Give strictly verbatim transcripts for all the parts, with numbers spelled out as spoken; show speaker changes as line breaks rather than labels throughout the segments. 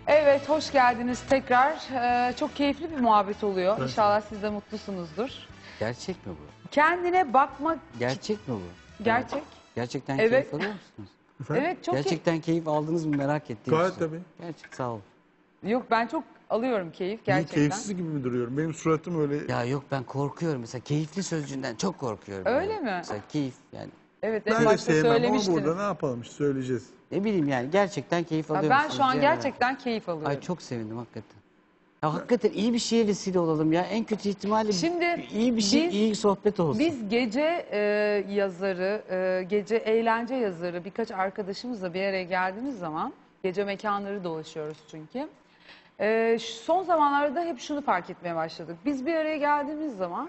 Evet, hoş geldiniz tekrar. Ee, çok keyifli bir muhabbet oluyor.
Evet.
İnşallah siz de mutlusunuzdur.
Gerçek mi bu?
Kendine bakmak...
Gerçek mi bu?
Gerçek.
Gerçekten
Evet.
keyif alıyor musunuz?
Efendim?
Evet, çok
Gerçekten keyif aldınız mı merak ettiğim
Gayet
için.
tabii.
Gerçek sağ ol.
keyif... Yok, ben çok alıyorum keyif
Niye
gerçekten.
keyifsiz gibi mi duruyorum? Benim suratım öyle...
Ya yok ben korkuyorum mesela keyifli sözcüğünden çok korkuyorum.
Öyle
yani.
mi?
Mesela keyif yani
Evet, en
Ben de
başta
sevmem ama
söylemiştiniz.
burada ne yapalım işte söyleyeceğiz.
ne bileyim yani gerçekten keyif
Ya
alıyor
ben
musunuz
şu an
diye merak
gerçekten keyif
ettim.
alıyorum.
Ay çok sevindim hakikaten. Ya hakikaten iyi bir şeye vesile olalım ya. En kötü ihtimalle
Şimdi
iyi bir şey,
biz-
iyi sohbet olsun.
Biz gece e, yazarı, e, gece eğlence yazarı birkaç arkadaşımızla bir araya geldiğimiz zaman, gece mekanları dolaşıyoruz çünkü. E, şu- son zamanlarda hep şunu fark etmeye başladık. Biz bir araya geldiğimiz zaman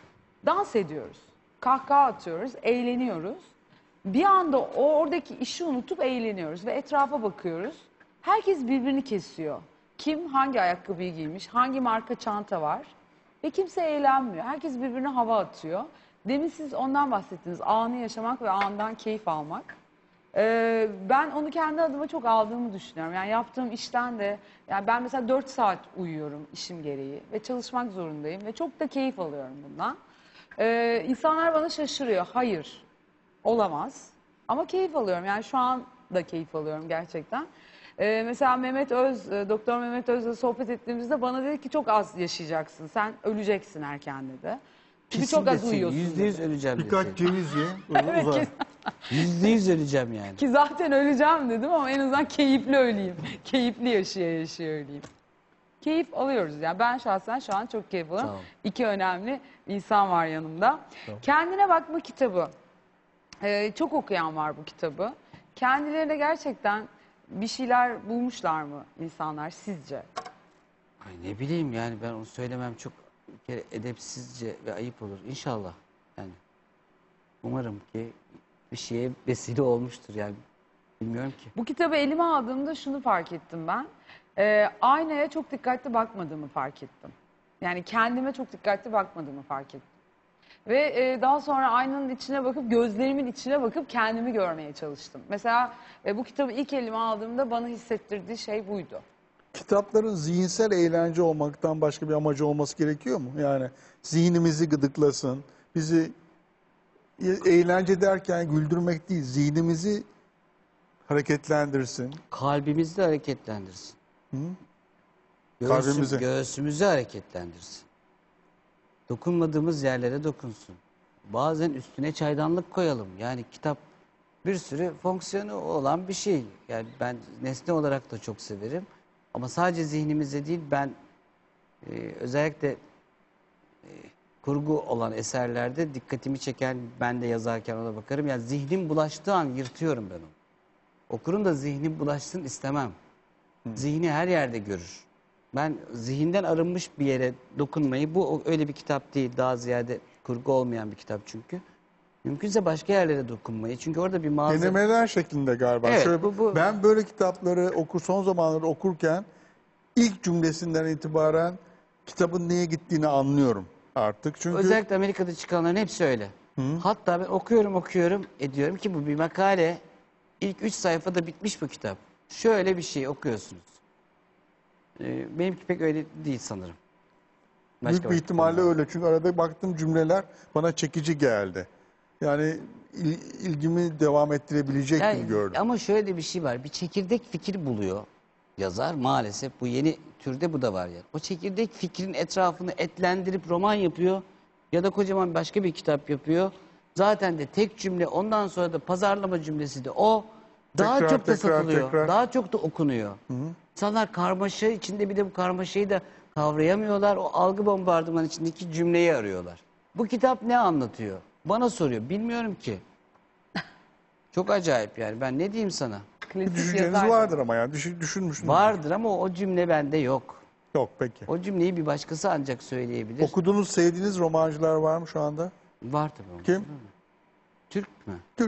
dans ediyoruz, kahkaha atıyoruz, eğleniyoruz. Bir anda o oradaki işi unutup eğleniyoruz ve etrafa bakıyoruz. Herkes birbirini kesiyor. Kim hangi ayakkabıyı giymiş, hangi marka çanta var ve kimse eğlenmiyor. Herkes birbirine hava atıyor. Demin siz ondan bahsettiniz, anı yaşamak ve andan keyif almak. Ee, ben onu kendi adıma çok aldığımı düşünüyorum. Yani yaptığım işten de, yani ben mesela dört saat uyuyorum işim gereği ve çalışmak zorundayım ve çok da keyif alıyorum bundan. Ee, insanlar bana şaşırıyor. Hayır, olamaz. Ama keyif alıyorum. Yani şu an da keyif alıyorum gerçekten. Ee, mesela Mehmet Öz, e, Doktor Mehmet Öz'le sohbet ettiğimizde bana dedi ki çok az yaşayacaksın. Sen öleceksin erken dedi. Çünkü çok az
Kesin
uyuyorsun
Yüzde yüz
dedi.
öleceğim
Birkaç
dedi.
ceviz ye,
Evet,
uzar.
kes-
Yüzde yüz öleceğim yani.
Ki zaten öleceğim dedim ama en azından keyifli öleyim. Keyifli yaşaya yaşaya öleyim. Keyif alıyoruz yani. Ben şahsen şu an çok keyif alıyorum.
Sağ ol.
İki önemli insan var yanımda. Kendine bakma kitabı. Ee, çok okuyan var bu kitabı. Kendilerine gerçekten bir şeyler bulmuşlar mı insanlar sizce?
Ay ne bileyim yani ben onu söylemem çok bir kere edepsizce ve ayıp olur. İnşallah yani. Umarım ki bir şeye vesile olmuştur yani. Bilmiyorum ki.
Bu kitabı elime aldığımda şunu fark ettim ben. Ee, aynaya çok dikkatli bakmadığımı fark ettim. Yani kendime çok dikkatli bakmadığımı fark ettim. Ve e, daha sonra aynanın içine bakıp, gözlerimin içine bakıp kendimi görmeye çalıştım. Mesela e, bu kitabı ilk elime aldığımda bana hissettirdiği şey buydu.
Kitapların zihinsel eğlence olmaktan başka bir amacı olması gerekiyor mu? Yani zihnimizi gıdıklasın, bizi e- eğlence derken güldürmek değil, zihnimizi hareketlendirsin.
Kalbimizi de hareketlendirsin.
Hı?
Göğsüm-
Kalbimizi.
Göğsümüzü hareketlendirsin. Dokunmadığımız yerlere dokunsun. Bazen üstüne çaydanlık koyalım. Yani kitap bir sürü fonksiyonu olan bir şey. Yani ben nesne olarak da çok severim. Ama sadece zihnimizde değil ben e, özellikle e, kurgu olan eserlerde dikkatimi çeken ben de yazarken ona bakarım. Yani zihnim bulaştığı an yırtıyorum ben onu. Okurun da zihnim bulaşsın istemem. Zihni her yerde görür. Ben zihinden arınmış bir yere dokunmayı, bu o- öyle bir kitap değil, daha ziyade kurgu olmayan bir kitap çünkü. Mümkünse başka yerlere dokunmayı. Çünkü orada bir malzeme...
Denemeler şeklinde galiba.
Evet,
Şöyle,
bu- bu-
Ben böyle kitapları okur son zamanlarda okurken ilk cümlesinden itibaren kitabın neye gittiğini anlıyorum artık. Çünkü
Özellikle Amerika'da çıkanların hepsi öyle. Hatta ben okuyorum okuyorum ediyorum ki bu bir makale. İlk üç sayfada bitmiş bu kitap. Şöyle bir şey okuyorsunuz. Ee, benimki pek öyle değil sanırım. Başka
büyük bir
başka
ihtimalle
konular.
öyle. Çünkü arada baktığım cümleler bana çekici geldi. Yani il- ilgimi devam ettirebilecek
Yani
gibi gördüm.
ama şöyle de bir şey var. Bir çekirdek fikir buluyor yazar maalesef. Bu yeni türde bu da var ya. O çekirdek fikrin etrafını etlendirip roman yapıyor ya da kocaman başka bir kitap yapıyor. Zaten de tek cümle ondan sonra da pazarlama cümlesi de o. Daha
Tekrar,
çok da
tekrar,
satılıyor.
tekrar.
Daha çok da okunuyor. İnsanlar karmaşa içinde bir de bu karmaşayı da kavrayamıyorlar. O algı bombardımanı içindeki cümleyi arıyorlar. Bu kitap ne anlatıyor? Bana soruyor. Bilmiyorum ki. Çok acayip yani. Ben ne diyeyim sana?
Klasik
Düşünceniz
yazar.
vardır ama yani düşün, düşünmüşsünüz.
Vardır ama o cümle bende yok.
Yok peki.
O cümleyi bir başkası ancak söyleyebilir.
Okuduğunuz, sevdiğiniz romancılar var mı şu anda?
Var tabii. onun.
Kim?
Türk mü?
Türk.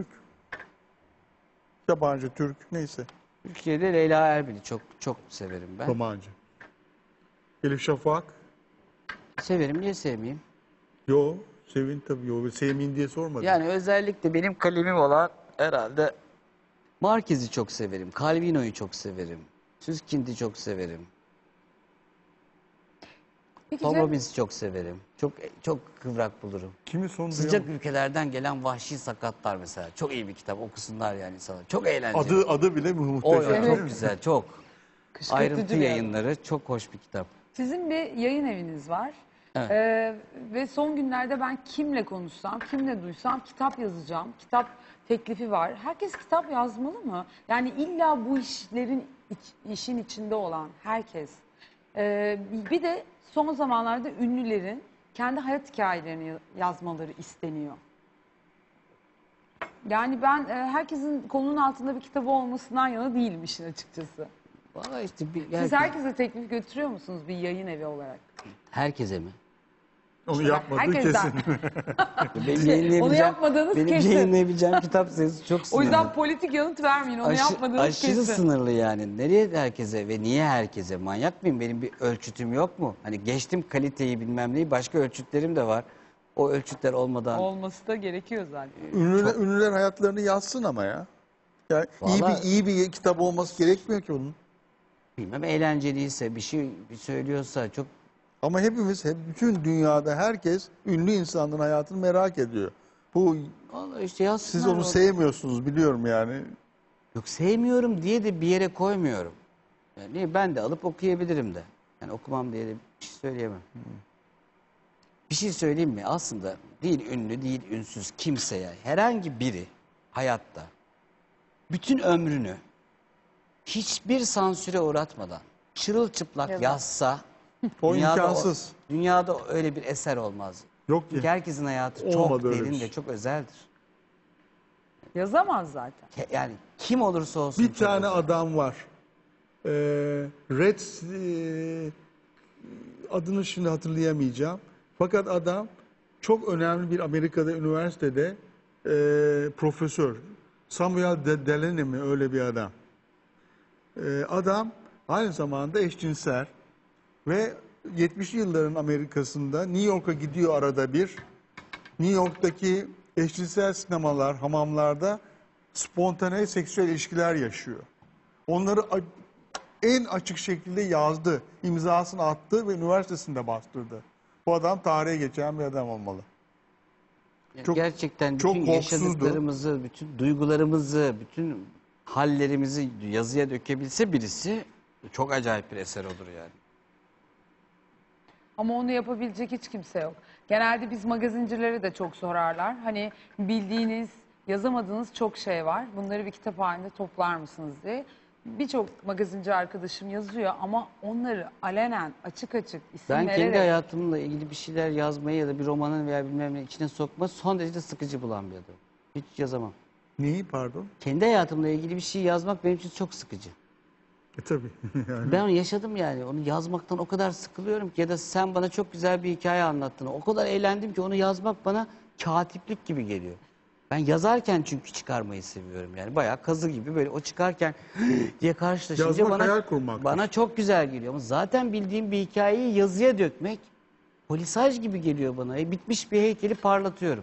Yabancı, Türk neyse.
Türkiye'de Leyla Erbil'i çok çok severim ben.
Romancı. Elif Şafak.
Severim niye sevmeyeyim?
Yo, sevin tabii. Yo, sevmeyin diye sormadım.
Yani özellikle benim kalemim olan herhalde Marquez'i çok severim. Calvino'yu çok severim. Süskind'i çok severim.
Peki
Tom
Cem,
Robbins'i çok severim. Çok çok kıvrak bulurum.
Kimi son
Sıcak
duyan-
ülkelerden gelen Vahşi Sakatlar mesela. Çok iyi bir kitap. Okusunlar yani insanlar. Çok eğlenceli.
Adı adı bile
o
muhteşem.
Evet.
çok güzel, çok.
kışkırtıcı
Ayrıntı
bir adam.
yayınları çok hoş bir kitap.
Sizin bir yayın eviniz var.
Evet.
Ee, ve son günlerde ben kimle konuşsam, kimle duysam kitap yazacağım. Kitap teklifi var. Herkes kitap yazmalı mı? Yani illa bu işlerin iç- işin içinde olan herkes. Ee, bir de son zamanlarda ünlülerin kendi hayat hikayelerini yazmaları isteniyor. Yani ben e, herkesin kolunun altında bir kitabı olmasından yana değilim işin açıkçası.
Vallahi işte bir,
Siz
yani
herkese teklif götürüyor musunuz bir yayın evi olarak?
herkese mi?
Onu
İşte
yapmadığı
herkesten.
kesin.
Benim
Onu
yayınlayabileceğim,
yapmadığınız
benim
kesin.
yayınlayabileceğim kitap sayısı çok
O
sınırlı.
yüzden politik yanıt vermeyin. Onu
Aşı-
yapmadığınız
aşırı
kesin.
sınırlı yani. Nereye herkese ve niye herkese? Manyak mıyım? Benim bir ölçütüm yok mu? Hani geçtim kaliteyi bilmem neyi. Başka ölçütlerim de var. O ölçütler olmadan.
Olması da gerekiyor zaten.
Ünlüler, ünlüler hayatlarını yazsın ama ya. Yani iyi
Vallahi-
bir iyi bir kitap olması gerekmiyor ki onun.
Bilmem eğlenceliyse bir şey bir söylüyorsa çok
Ama hepimiz, hep bütün dünyada herkes ünlü insanların hayatını merak ediyor. Bu
vallahi işte yazsınlar.
siz onu
o-
sevmiyorsunuz biliyorum yani.
Yok sevmiyorum diye de bir yere koymuyorum. Yani ben de alıp okuyabilirim de. Yani okumam diye de bir şey söyleyemem. Bir şey söyleyeyim mi? Aslında değil ünlü değil ünsüz kimseye herhangi biri hayatta bütün ömrünü hiçbir sansüre uğratmadan çırılçıplak
Yazar.
yazsa
O
dünyada
imkansız.
dünyada öyle bir eser olmaz.
Yok
Çünkü
ki.
herkesin hayatı çok
Olmadı öyle bir
derin
şey.
ve çok özeldir.
Yazamaz zaten.
Ke- Yani kim olursa olsun.
Bir
çok
tane
özel.
adam var. Ee, Red e, adını şimdi hatırlayamayacağım. Fakat adam çok önemli bir Amerika'da üniversitede e, profesör. Samuel De- Delaney mi öyle bir adam. E, adam aynı zamanda eşcinsel ve yetmişli yılların Amerika'sında New York'a gidiyor arada bir. New York'taki eşcinsel sinemalar, hamamlarda spontane seksüel ilişkiler yaşıyor. Onları a- en açık şekilde yazdı, imzasını attı ve üniversitesinde bastırdı. Bu adam tarihe geçen bir adam olmalı.
Yani
çok-
gerçekten
çok
bütün
korkusuzdu.
yaşadıklarımızı, bütün duygularımızı, bütün hallerimizi yazıya dökebilse birisi çok acayip bir eser olur yani.
Ama onu yapabilecek hiç kimse yok. Genelde biz magazincilere de çok sorarlar. Hani bildiğiniz, yazamadığınız çok şey var. Bunları bir kitap halinde toplar mısınız diye. Birçok magazinci arkadaşım yazıyor ama onları alenen, açık açık isim
Ben
vererek...
kendi hayatımla ilgili bir şeyler yazmayı ya da bir romanın veya bilmem ne içine sokma son derece sıkıcı bulan bir adamım. Hiç yazamam.
Neyi pardon?
Kendi hayatımla ilgili bir şey yazmak benim için çok sıkıcı.
E tabii. yani.
Ben onu yaşadım yani. Onu yazmaktan o kadar sıkılıyorum ki ya da sen bana çok güzel bir hikaye anlattın. O kadar eğlendim ki onu yazmak bana katiplik gibi geliyor. Ben yazarken çünkü çıkarmayı seviyorum yani. Bayağı kazı gibi böyle o çıkarken diye karşılaşınca
Yazmak
bana
hayal kurmaktır.
bana çok güzel geliyor. Ama zaten bildiğim bir hikayeyi yazıya dökmek polisaj gibi geliyor bana. E, bitmiş bir heykeli parlatıyorum.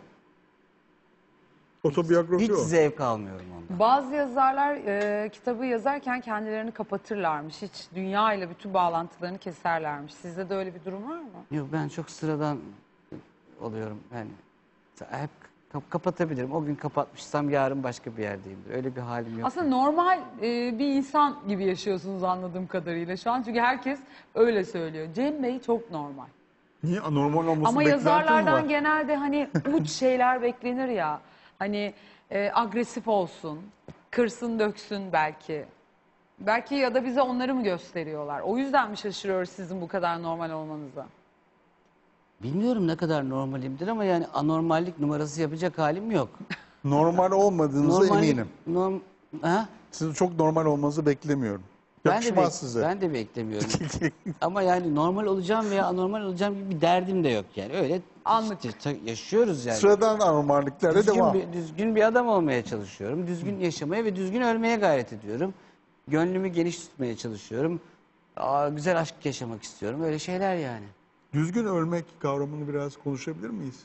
Otobiyografi
Hiç
o.
zevk almıyorum ondan.
Bazı yazarlar e, kitabı yazarken kendilerini kapatırlarmış. Hiç dünya ile bütün bağlantılarını keserlermiş. Sizde de öyle bir durum var mı?
Yok ben çok sıradan oluyorum yani. Hep kap- kapatabilirim. O gün kapatmışsam yarın başka bir yerdeyimdir. Öyle bir halim yok.
Aslında normal e, bir insan gibi yaşıyorsunuz anladığım kadarıyla şu an. Çünkü herkes öyle söylüyor. Cem Bey çok normal.
Niye anormal olması
Ama
beklentin mi
yazarlardan
var?
genelde hani uç şeyler beklenir ya. Hani e, agresif olsun, kırsın döksün belki. Belki ya da bize onları mı gösteriyorlar? O yüzden mi şaşırıyoruz sizin bu kadar normal olmanıza?
Bilmiyorum ne kadar normalimdir ama yani anormallik numarası yapacak halim yok.
Normal olmadığınıza
Normallik-
eminim.
Norm, ha?
Sizin çok normal olmanızı beklemiyorum.
Ben de,
Yakışmaz
bek-
size.
ben de beklemiyorum. Ama yani normal olacağım veya anormal olacağım gibi bir derdim de yok yani. Öyle
Anlık.
işte ta- yaşıyoruz yani.
Sıradan anormalliklerle
Düzgün
devam.
bir, düzgün bir adam olmaya çalışıyorum. Düzgün yaşamaya ve düzgün ölmeye gayret ediyorum. Gönlümü geniş tutmaya çalışıyorum. Aa, güzel aşk yaşamak istiyorum. Öyle şeyler yani.
Düzgün ölmek kavramını biraz konuşabilir miyiz?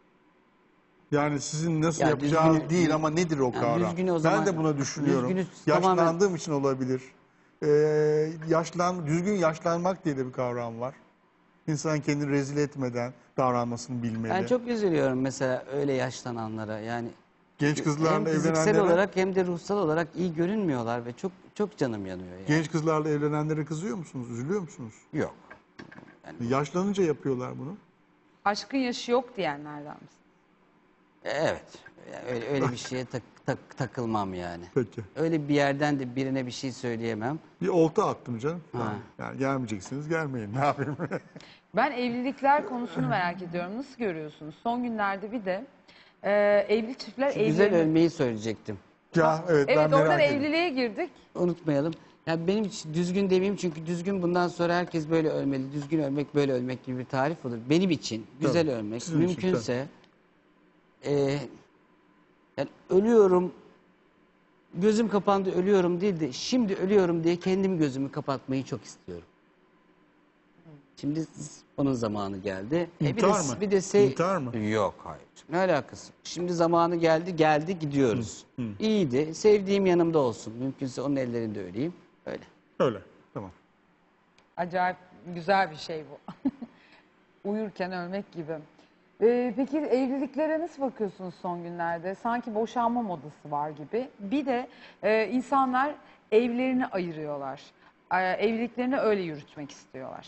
Yani sizin nasıl
Ya
yapacağınız
düzgünü-
değil ama nedir o
Yani
kavram?
düzgünü o
Ben
zaman-
de buna düşünüyorum.
düzgünü
Yaşlandığım
tamamen-
için olabilir. Ee, yaşlan, düzgün yaşlanmak diye de bir kavram var. İnsan kendini rezil etmeden davranmasını bilmeli.
Ben çok üzülüyorum mesela öyle yaşlananlara. Yani
Genç kızlarla
hem fiziksel
evlenenlere,
olarak hem de ruhsal olarak iyi görünmüyorlar ve çok çok canım yanıyor yani.
genç kızlarla evlenenlere kızıyor musunuz? Üzülüyor musunuz?
Yok.
Yaşlanınca yapıyorlar bunu.
Aşkın yaşı yok diyenlerden misin?
Evet. Yani öyle, öyle bir şeye tak, tak- takılmam yani.
Peki.
Öyle bir yerden de birine bir şey söyleyemem.
Bir olta attım canım.
Ha.
Yani, yani gelmeyeceksiniz, gelmeyin. Ne yapayım?
Ben evlilikler konusunu merak ediyorum. Nasıl görüyorsunuz? Son günlerde bir de e, evli çiftler
Şu güzel
evlerini...
ölmeyi söyleyecektim.
ya evet, ben
Evet,
merak
oradan
ediyorum.
evliliğe girdik.
Unutmayalım. Yani benim için düzgün demeyeyim çünkü düzgün bundan sonra herkes böyle ölmeli. Düzgün ölmek böyle ölmek gibi bir tarif olur. Benim için güzel
Tabii,
ölmek
sizin için,
mümkünse e, yani ölüyorum gözüm kapandı ölüyorum değil de şimdi ölüyorum diye kendim gözümü kapatmayı çok istiyorum. Şimdi onun zamanı geldi. E bir de,
İntihar mı?
bir de se-
İntihar mı?
Yok hayır. Ne alakası? Şimdi zamanı geldi geldi gidiyoruz.
Hı, hı.
İyiydi. Sevdiğim yanımda olsun. Mümkünse onun ellerinde öleyim. Öyle.
Öyle. Tamam.
Acayip güzel bir şey bu. Uyurken ölmek gibi. Ee, peki evliliklere nasıl bakıyorsunuz son günlerde? Sanki boşanma modası var gibi. Bir de e, insanlar evlerini ayırıyorlar. Ee, evliliklerini öyle yürütmek istiyorlar.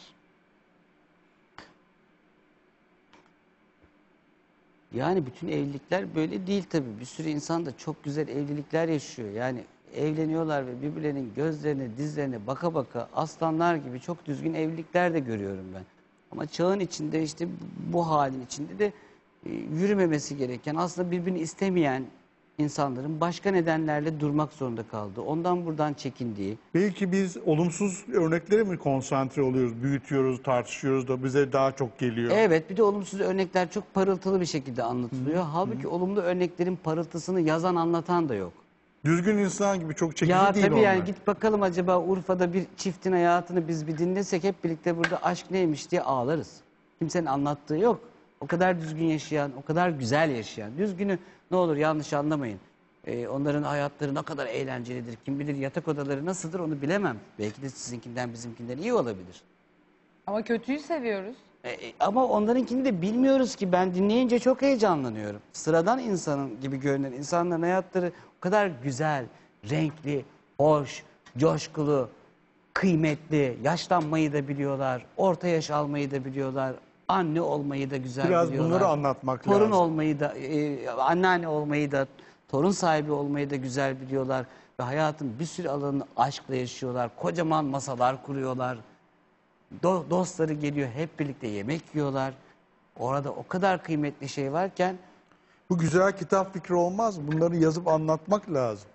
Yani bütün evlilikler böyle değil tabii. Bir sürü insan da çok güzel evlilikler yaşıyor. Yani evleniyorlar ve birbirlerinin gözlerine, dizlerine baka baka aslanlar gibi çok düzgün evlilikler de görüyorum ben. Ama çağın içinde işte bu halin içinde de e, yürümemesi gereken, aslında birbirini istemeyen insanların başka nedenlerle durmak zorunda kaldığı, ondan buradan çekindiği.
Belki biz olumsuz örneklere mi konsantre oluyoruz, büyütüyoruz, tartışıyoruz da bize daha çok geliyor.
Evet, bir de olumsuz örnekler çok parıltılı bir şekilde anlatılıyor. Halbuki olumlu örneklerin parıltısını yazan, anlatan da yok.
Düzgün insan gibi çok çekici
Ya
değil
tabii
onlar.
yani git bakalım acaba Urfa'da bir çiftin hayatını biz bir dinlesek hep birlikte burada aşk neymiş diye ağlarız. Kimsenin anlattığı yok. O kadar düzgün yaşayan, o kadar güzel yaşayan. Düzgünü ne olur yanlış anlamayın. Ee, onların hayatları ne kadar eğlencelidir. Kim bilir yatak odaları nasıldır onu bilemem. Belki de sizinkinden bizimkinden iyi olabilir.
Ama kötüyü seviyoruz.
E, e, ama onlarınkini de bilmiyoruz ki. Ben dinleyince çok heyecanlanıyorum. Sıradan insanın gibi görünen insanların hayatları o kadar güzel, renkli, hoş, coşkulu, kıymetli. Yaşlanmayı da biliyorlar, orta yaş almayı da biliyorlar, anne olmayı da güzel
Biraz
biliyorlar.
bunları anlatmak
torun
lazım.
olmayı da, e, anneanne olmayı da, torun sahibi olmayı da güzel biliyorlar. Ve hayatın bir sürü alanını aşkla yaşıyorlar. Kocaman masalar kuruyorlar. Do- dostları geliyor, hep birlikte yemek yiyorlar. Orada o kadar kıymetli şey varken
Bu güzel kitap fikri olmaz. Bunları yazıp anlatmak lazım.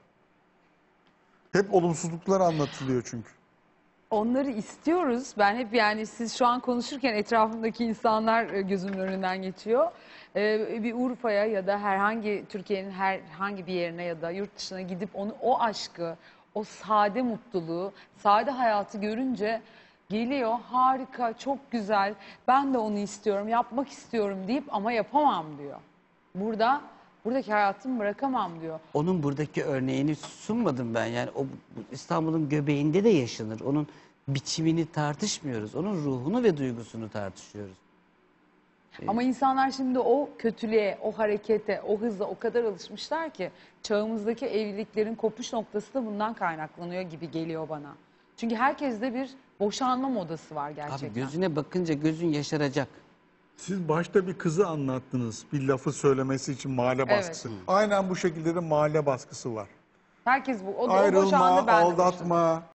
Hep olumsuzluklar anlatılıyor çünkü.
Onları istiyoruz. Ben hep yani siz şu an konuşurken etrafımdaki insanlar e, gözümün önünden geçiyor. Ee, bir Urfa'ya ya da herhangi Türkiye'nin herhangi bir yerine ya da yurt dışına gidip onu o aşkı, o sade mutluluğu, sade hayatı görünce geliyor harika, çok güzel. Ben de onu istiyorum, yapmak istiyorum deyip ama yapamam diyor. Burada buradaki hayatımı bırakamam diyor.
onun buradaki örneğini sunmadım ben. Yani o bu İstanbul'un göbeğinde de yaşanır. Onun biçimini tartışmıyoruz. Onun ruhunu ve duygusunu tartışıyoruz.
Ama insanlar şimdi o kötülüğe, o harekete, o hıza o kadar alışmışlar ki çağımızdaki evliliklerin kopuş noktası da bundan kaynaklanıyor gibi geliyor bana. Çünkü herkeste bir boşanma modası var gerçekten.
Abi gözüne bakınca gözün yaşaracak.
Siz başta bir kızı anlattınız. Bir lafı söylemesi için mahalle
Evet.
baskısı. Aynen bu şekilde de mahalle baskısı var.
Herkes bu. O da o
Ayrılma,
boşandı, ben de boşandım.
aldatma,